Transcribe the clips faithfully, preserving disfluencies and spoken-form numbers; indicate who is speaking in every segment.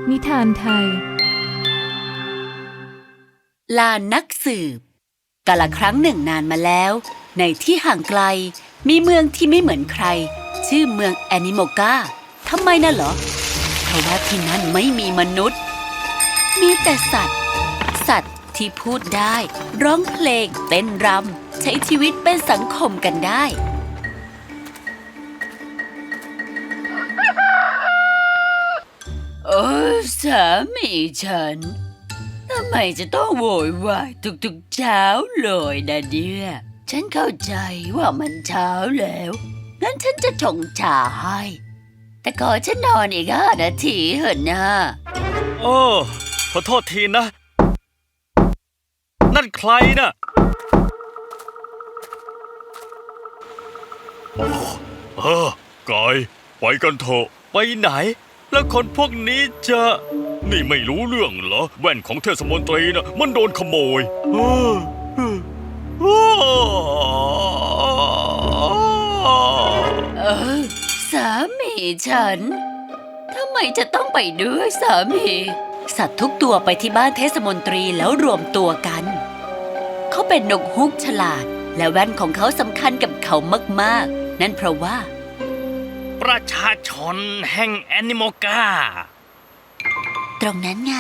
Speaker 1: นิทานไทย
Speaker 2: ลานักสืบกาลครั้งหนึ่งนานมาแล้วในที่ห่างไกลมีเมืองที่ไม่เหมือนใครชื่อเมืองแอนิโมกาทำไมน่ะเหรอเพราะว่าที่นั่นไม่มีมนุษย์มีแต่สัตว์สัตว์ที่พูดได้ร้องเพลงเต้นรำใช้ชีวิตเป็นสังคมกันได้โอ้สามีฉันทำไมจะต้องโวยวายทุกๆเช้าเลยนะเนี่ยฉันเข้าใจว่ามันเช้าแล้วงั้นฉันจะชงชาให้แต่ขอฉันนอนอีกห้านาทีเถอะนะ
Speaker 3: โอ้ขอโทษทีนะนั่นใครน่ะเออกายไปกันเถอะไปไหนแล้วคนพวกนี้จะนี่ไม่รู้เรื่องเหรอแว่นของเทศมนตรีน่ะมันโดนขโมยเออเอ
Speaker 2: อสามีฉันทำไมจะต้องไปด้วยสามีสัตว์ทุกตัวไปที่บ้านเทศมนตรีแล้วรวมตัวกันเขาเป็นนกฮูกฉลาดและแว่นของเขาสำคัญกับเขามากๆนั่นเพราะว่า
Speaker 3: ประชาชนแห่งแอนิโมกา
Speaker 2: ตรงนั้นไง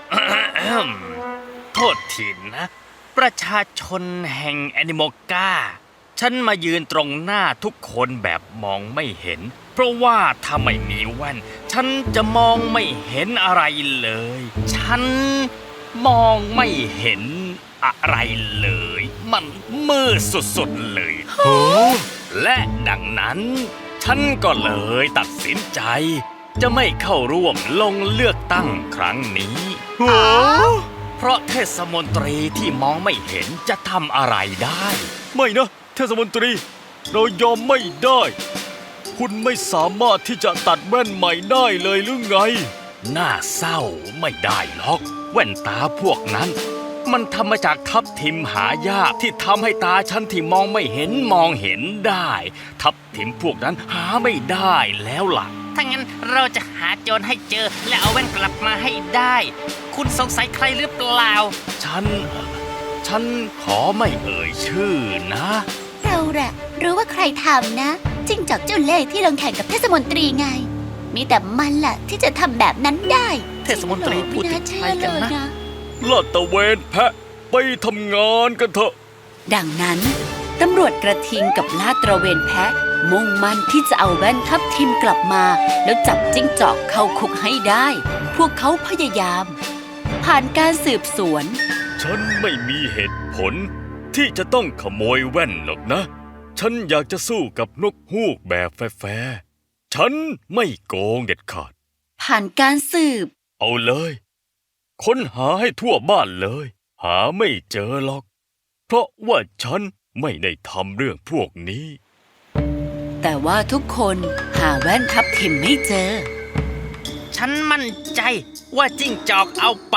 Speaker 3: โทษทีนะประชาชนแห่งแอนิโมกาฉันมายืนตรงหน้าทุกคนแบบมองไม่เห็นเพราะว่าถ้าไม่มีแว่นฉันจะมองไม่เห็นอะไรเลยฉันมองไม่เห็นอะไรเลยมันมืดสุดๆเลยและดังนั้นฉันก็เลยตัดสินใจจะไม่เข้าร่วมลงเลือกตั้งครั้งนี้เพราะเทศมนตรีที่มองไม่เห็นจะทำอะไรได้ไม่นะเทศมนตรีเรายอมไม่ได้คุณไม่สามารถที่จะตัดแว่นใหม่ได้เลยหรือไงน่าเศร้าไม่ได้หรอกแว่นตาพวกนั้นมันทำมาจากทับทิมหายากที่ทำให้ตาฉันที่มองไม่เห็นมองเห็นได้ทับทิมพวกนั้นหาไม่ได้แล้วล่ะ
Speaker 4: ถ้างั้นเราจะหาโจรให้เจอและเอาแว่นกลับมาให้ได้คุณสงสัยใครหรือเปล่า
Speaker 3: ฉันฉันขอไม่เอ่ยชื่อนะ
Speaker 2: เราแหละรู้ว่าใครทำนะจิ้งจอกเจ้าเล่ห์ที่ลงแข่งกับเทศมนตรีไงมีแต่มันแหละที่จะทำแบบนั้นได้
Speaker 4: เทศมนตรีพูดถึงใครกันนะ
Speaker 3: ลาดตระเวนแพะไปทำงานกันเถอะ
Speaker 2: ดังนั้นตำรวจกระทิงกับลาดตระเวนแพะมุ่งมั่นที่จะเอาแว่นทับทิมกลับมาแล้วจับจิ้งจอกเข้าคุกให้ได้พวกเขาพยายามผ่านการสืบสวน
Speaker 3: ฉันไม่มีเหตุผลที่จะต้องขโมยแว่นหรอกนะฉันอยากจะสู้กับนกฮูกแบบแฟร์ๆฉันไม่โกงเด็ดขาด
Speaker 2: ผ่านการสืบ
Speaker 3: เอาเลยค้นหาให้ทั่วบ้านเลยหาไม่เจอหรอกเพราะว่าฉันไม่ได้ทำเรื่องพวกนี้
Speaker 2: แต่ว่าทุกคนหาแว่นทับทิมไม่เจอ
Speaker 4: ฉันมั่นใจว่าจิ้งจอกเอาไป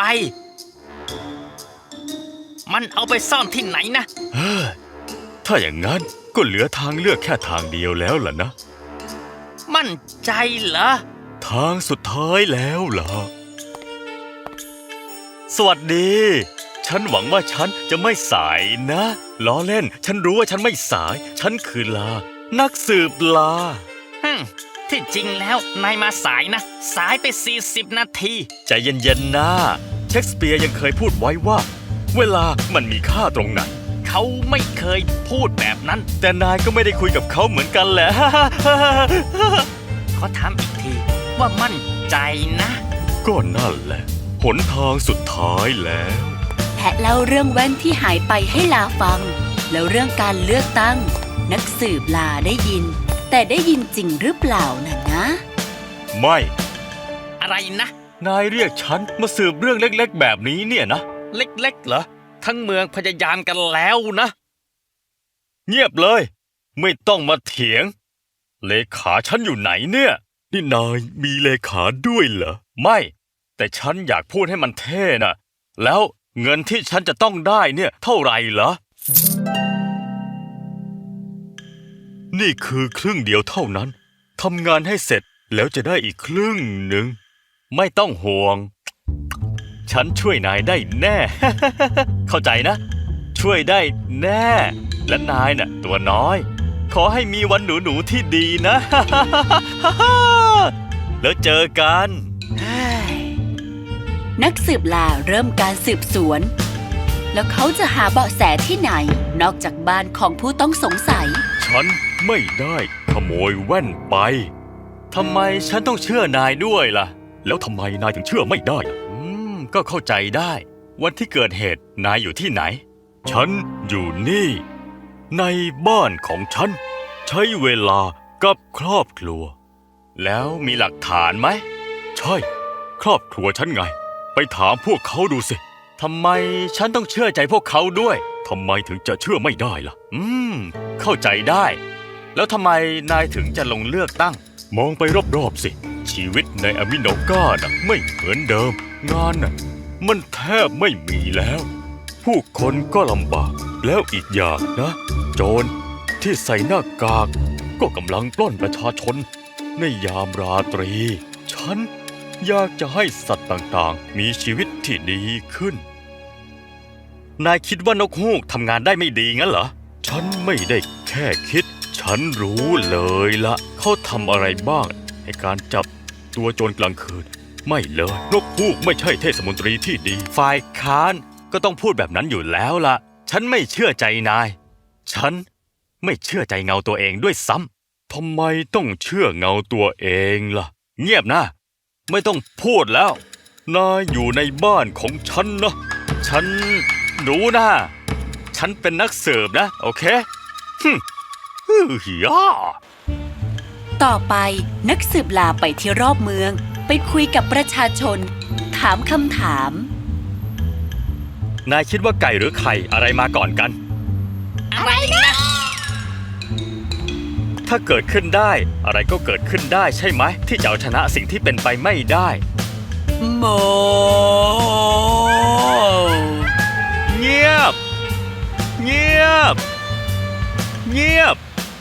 Speaker 4: มันเอาไปซ่อนที่ไหนนะ
Speaker 3: เฮ้ยถ้าอย่างนั้นก็เหลือทางเลือกแค่ทางเดียวแล้วล่ะนะ
Speaker 4: มั่นใจเหรอ
Speaker 3: ทางสุดท้ายแล้วล่ะสวัสดีฉันหวังว่าฉันจะไม่สายนะล้อเล่นฉันรู้ว่าฉันไม่สายฉันคือลานักสืบลา
Speaker 4: ฮึที่จริงแล้วนายมาสายนะสายไปสี่สิบนาที
Speaker 3: ใจเย็นๆนะเชคสเปียร์ยังเคยพูดไว้ว่าเวลามันมีค่าตรงไหน
Speaker 4: เขาไม่เคยพูดแบบนั้น
Speaker 3: แต่นายก็ไม่ได้คุยกับเขาเหมือนกันแหละ
Speaker 4: ขอถามอีกทีว่ามั่นใจนะ
Speaker 3: ก็นั่นแหละหนทางสุดท้ายแล้ว
Speaker 2: แพะเล่าเรื่องแว่นที่หายไปให้ลาฟังแล้วเรื่องการเลือกตั้งนักสืบลาได้ยินแต่ได้ยินจริงหรือเปล่าน่ะนะ
Speaker 3: ไม่
Speaker 4: อะไรนะ
Speaker 3: นายเรียกฉันมาสืบเรื่องเล็กๆแบบนี้เนี่ยนะ
Speaker 4: เล็กๆเหรอทั้งเมืองพยายามกันแล้วนะ
Speaker 3: เงียบเลยไม่ต้องมาเถียงเลขาฉันอยู่ไหนเนี่ยนี่นายมีเลขาด้วยเหรอไม่แต่ฉันอยากพูดให้มันเท่น่ะแล้วเงินที่ฉันจะต้องได้เนี่ยเท่าไหร่เหรอนี่คือครึ่งเดียวเท่านั้นทำงานให้เสร็จแล้วจะได้อีกครึ่งหนึ่งไม่ต้องห่วง ฉันช่วยนายได้แน่ เข้าใจนะ ช่วยได้แน่ และนายน่ะตัวน้อย ขอให้มีวันหนูหนูๆที่ดีนะ แล้วเจอกัน
Speaker 2: นักสืบลาเริ่มการสืบสวน แล้วเขาจะหาเบาะแสที่ไหน นอกจากบ้านของผู้ต้องสงสัย
Speaker 3: ฉันไม่ได้ขโมยแว่นไป ทำไมฉันต้องเชื่อนายด้วยล่ะ แล้วทำไมนายถึงเชื่อไม่ได้ล่ะอืม ก็เข้าใจได้ วันที่เกิดเหตุนายอยู่ที่ไหน ฉันอยู่นี่ ในบ้านของฉัน ใช้เวลากับครอบครัว แล้วมีหลักฐานไหม ใช่ ครอบครัวฉันไง ไปถามพวกเขาดูสิ ทำไมฉันต้องเชื่อใจพวกเขาด้วย ทำไมถึงจะเชื่อไม่ได้ล่ะ อืม เข้าใจได้ แล้วทำไมนายถึงจะลงเลือกตั้ง มองไปรอบๆสิ ชีวิตในอามิโนกาน่ะไม่เหมือนเดิม งานน่ะมันแทบไม่มีแล้ว ผู้คนก็ลำบาก แล้วอีกอย่างนะ โจรที่ใส่หน้ากาก ก็กำลังปล้นประชาชนในยามราตรี ฉันอยากจะให้สัตว์ต่างๆ มีชีวิตที่ดีขึ้น นายคิดว่านกฮูกทำงานได้ไม่ดีงั้นเหรอ ฉันไม่ได้แค่คิด ฉันรู้เลยละเขาทำอะไรบ้างในการจับตัวโจรกลางคืน ไม่เลย นกฮูกไม่ใช่เทศมนตรีที่ดี ฝ่ายค้านก็ต้องพูดแบบนั้นอยู่แล้วล่ะ ฉันไม่เชื่อใจนาย ฉันไม่เชื่อใจเงาตัวเองด้วยซ้ำทำไมต้องเชื่อเงาตัวเองล่ะ เงียบนะ ไม่ต้องพูดแล้ว นายอยู่ในบ้านของฉันนะ ฉันรู้นะ ฉันเป็นนักสืบนะ โอเคฮึฮึฮิยา
Speaker 2: ต่อไปนักสืบลาไปที่รอบเมือง ไปคุยกับประชาชน ถามคำถาม
Speaker 3: นายคิดว่าไก่หรือไข่อะไรมาก่อนกัน
Speaker 4: อะไรนะ
Speaker 3: ถ้าเกิดขึ้นได้ อะไรก็เกิดขึ้นได้ใช่ไหม ที่จะเอาชนะสิ่งที่เป็นไปไม่ได้
Speaker 2: โม
Speaker 3: เงียบ เงียบ เงียบ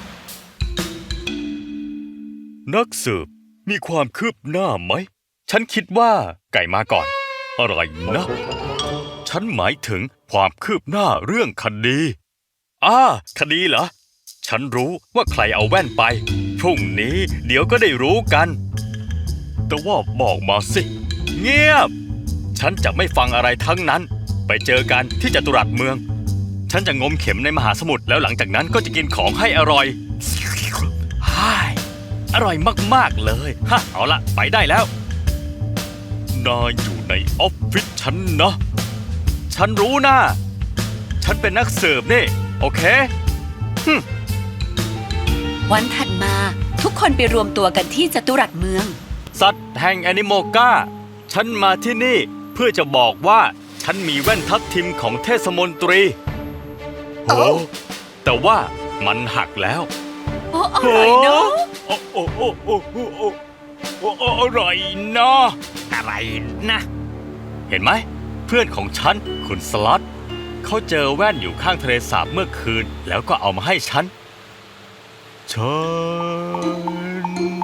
Speaker 3: นักสืบมีความคืบหน้าไหม ฉันคิดว่าไก่มาก่อน อะไรนะ ฉันหมายถึงความคืบหน้าเรื่องคดีอ่าคดีเหรอ ฉันรู้ว่าใครเอาแว่นไป พรุ่งนี้เดี๋ยวก็ได้รู้กัน แต่ว่าบอกมาสิ เงียบ ฉันจะไม่ฟังอะไรทั้งนั้น ไปเจอกันที่จตุรัสเมือง ฉันจะงมเข็มในมหาสมุทรแล้วหลังจากนั้นก็จะกินของให้อร่อยฮ่ายอร่อยมากๆเลยฮะเอาละไปได้แล้ว นายอยู่ในออฟฟิศฉันนะ ฉันรู้นะ ฉันเป็นนักสืบนี่ โอเคฮึม
Speaker 2: วันถัดมาทุกคนไปรวมตัวกันที่จตุรัสเมือง
Speaker 3: สัตว์แห่งแอนิโมกาฉันมาที่นี่เพื่อจะบอกว่าฉันมีแว่นทับทิมของเทศมนตรีโหแต่ว่ามันหักแล้ว
Speaker 2: โอ้อร่อยเนาะ
Speaker 3: โอ้โอ้โอ้โอ้โอ้โอ้โอ้โอ้อร่อยนะ
Speaker 4: อะไรนะ
Speaker 3: เห็นไหม เพื่อนของฉันคุณสล็อตเขาเจอแว่นอยู่ข้างทะเลสาบเมื่อคืน แล้วก็เอามาให้ฉัน ฉัน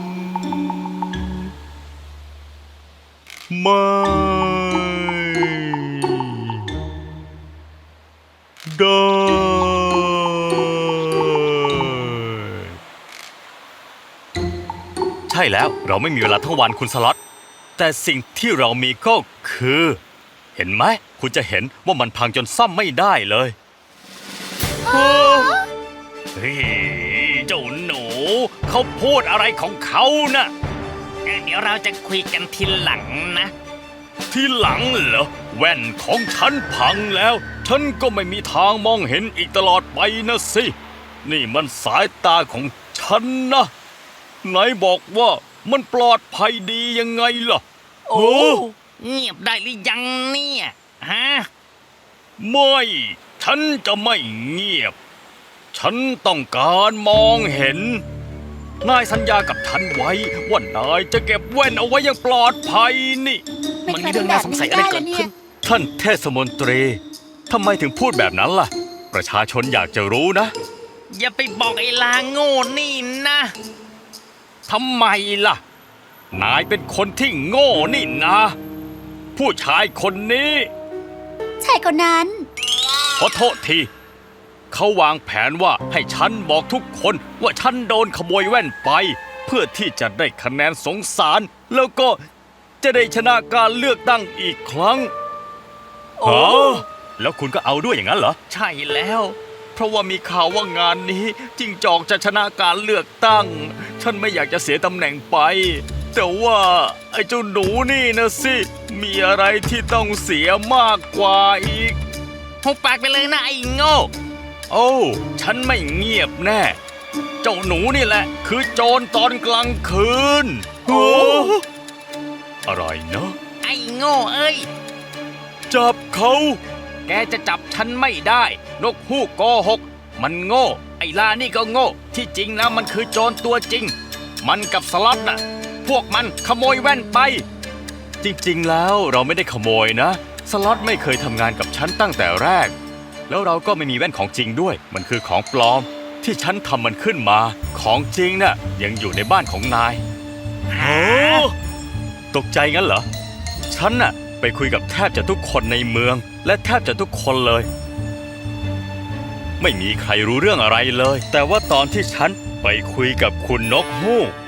Speaker 3: ไม่ได้ใช่แล้วเราไม่มีเวลาทั้งวันคุณสล็อตแต่สิ่งที่เรามีก็คือ เห็นไหมคุณจะเห็นว่ามันพังจนซ่อมไม่ได้เลยเฮ้ยเจ้าหนูเขาพูดอะไรของเขาน่ะ
Speaker 4: เดี๋ยวเราจะคุยกันทีหลังนะ
Speaker 3: ที่หลังเหรอแว่นของฉันพังแล้ว ฉันก็ไม่มีทางมองเห็นอีกตลอดไปนะสิ นี่มันสายตาของฉันนะไหนบอกว่ามันปลอดภัยดียังไงล่ะ
Speaker 2: โอ้
Speaker 4: เงียบได้หรือยังเนี่ยฮะ
Speaker 3: ไม่ ฉันจะไม่เงียบ ฉันต้องการมองเห็น นายสัญญากับฉันไว้ว่านายจะเก็บแว่นเอาไว้อย่างปลอดภัยนี่
Speaker 4: มันมีเรื่องน่าสงสัยอะไรเกิดขึ้น
Speaker 3: ท่านเทศมนตรีทำไมถึงพูดแบบนั้นล่ะ ประชาชนอยากจะรู้นะ
Speaker 4: อย่าไปบอกไอ้ลาโง่นี่นะ
Speaker 3: ทำไมล่ะนายเป็นคนที่โง่นี่นะ ผู้ชายคนนี้
Speaker 2: ใช่คนนั้น
Speaker 3: ขอโทษที เขาวางแผนว่าให้ฉันบอกทุกคนว่าฉันโดนขโมยแว่นไป เพื่อที่จะได้คะแนนสงสาร แล้วก็จะได้ชนะการเลือกตั้งอีกครั้ง
Speaker 2: โอ้
Speaker 3: ฮะแล้วคุณก็เอาด้วยอย่างนั้นเหรอ ใช่แล้ว เพราะว่ามีข่าวว่างานนี้จิ้งจอกจะชนะการเลือกตั้ง ฉันไม่อยากจะเสียตำแหน่งไป แต่ว่าไอ้เจ้าหนูนี่นะสิ มีอะไรที่ต้องเสียมากกว่าอีก
Speaker 4: หุบปากไปเลยนะไอ้โง่
Speaker 3: โอ้ ฉันไม่เงียบแน่ เจ้าหนูนี่แหละ คือโจรตอนกลางคืนโอ้อะไรนะ
Speaker 4: ไอ้โง่เอ้ย
Speaker 3: จับเขา แกจะจับฉันไม่ได้ นกฮูกโกหก มันโง่ ไอ้ลานี่ก็โง่ ที่จริงแล้วมันคือโจรตัวจริง มันกับสล็อตน่ะ พวกมันขโมยแว่นไป จริงๆแล้วเราไม่ได้ขโมยนะ สล็อตไม่เคยทำงานกับฉันตั้งแต่แรก แล้วเราก็ไม่มีแว่นของจริงด้วย มันคือของปลอม ที่ฉันทำมันขึ้นมา ของจริงน่ะยังอยู่ในบ้านของนายโอ้ตกใจงั้นเหรอ ฉันน่ะไปคุยกับแทบจะทุกคนในเมือง และแทบจะทุกคนเลย ไม่มีใครรู้เรื่องอะไรเลย แต่ว่าตอนที่ฉันไปคุยกับคุณนกฮูก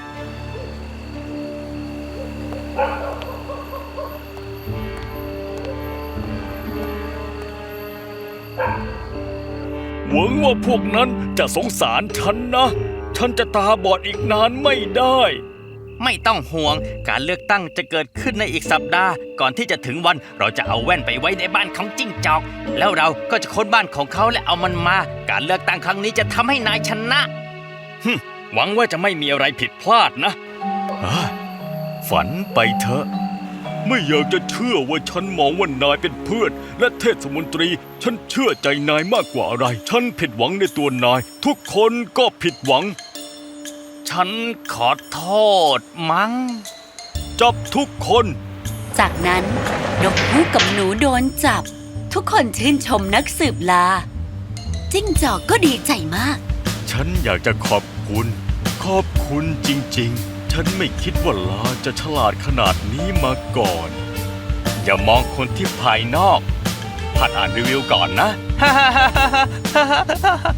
Speaker 3: หวังว่าพวกนั้นจะสงสารฉันนะ ฉันจะตาบอดอีกนานไม่ได้
Speaker 4: ไม่ต้องห่วง การเลือกตั้งจะเกิดขึ้นในอีกสัปดาห์ ก่อนที่จะถึงวันเราจะเอาแว่นไปไว้ในบ้านของจิ้งจอก แล้วเราก็จะค้นบ้านของเขาและเอามันมา การเลือกตั้งครั้งนี้จะทำให้นายชนะ
Speaker 3: ฮึมหวังว่าจะไม่มีอะไรผิดพลาดนะอ่าฝันไปเถอะ ไม่อยากจะเชื่อว่าฉันมองว่านายเป็นเพื่อน และเทศมนตรี ฉันเชื่อใจนายมากกว่าอะไร ฉันผิดหวังในตัวนาย ทุกคนก็ผิดหวัง
Speaker 4: ฉันขอโทษมั้ง
Speaker 3: จับทุกคน
Speaker 2: จากนั้นนกฮูกกับหนูโดนจับ ทุกคนชื่นชมนักสืบลา จิ้งจอกก็ดีใจมาก
Speaker 3: ฉันอยากจะขอบคุณ ขอบคุณจริงๆ ฉันไม่คิดว่าลาจะฉลาดขนาดนี้มาก่อน อย่ามองคนที่ภายนอกหัดอ่านรีวิวก่อนนะ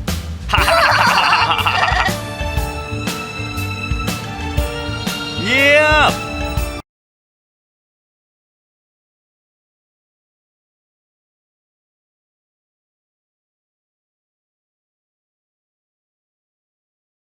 Speaker 3: เย้